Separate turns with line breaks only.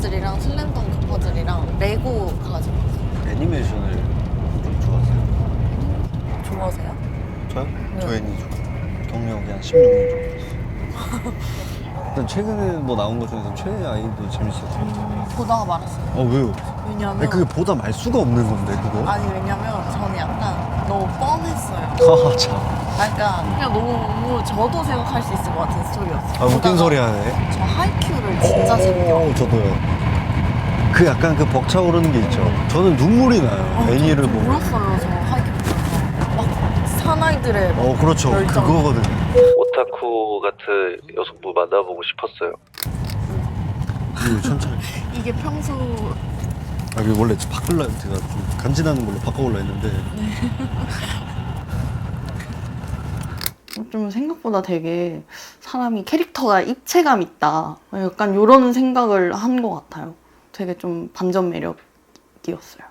퍼즐이랑 슬램덩크 퍼즐이랑 레고 가지고 왔어요.
애니메이션을 좀 좋아하세요?
좋아하세요?
저요?
네.
저 애니 좋아해요. 경력이 한 16년 정도 됐어요. 일단 최근에 뭐 나온 것 중에서 최애 아이도 재밌었을 것 같아요.
보다가 말았어요.
왜요?
왜냐면
아니, 그게 보다 말 수가 없는 건데 그거?
아니 왜냐면 저는 약간 너무 뻔했어요.
아 참.
약간 그냥 너무 저도 생각할 수 있을 것 같은 스토리였어요.
웃긴
보다가
소리 하네.
저 하이큐를 진짜 재밌게 봤어요.
저도요. 그 약간 그 벅차오르는 게 있죠. 저는 눈물이 나요. 애니를
저
보고.
울었어요. 저 하이큐 보면서 막 사나이들의 막
그렇죠.
열정.
그거거든요. 오타쿠 같은 여성분 만나보고 싶었어요. 천천히.
이게 평소
이게 원래 바꿀라 제가 좀 간지나는 걸로 바꿔올라 했는데.
좀 생각보다 되게 사람이 캐릭터가 입체감 있다. 약간 이런 생각을 한 것 같아요. 되게 좀 반전 매력이었어요.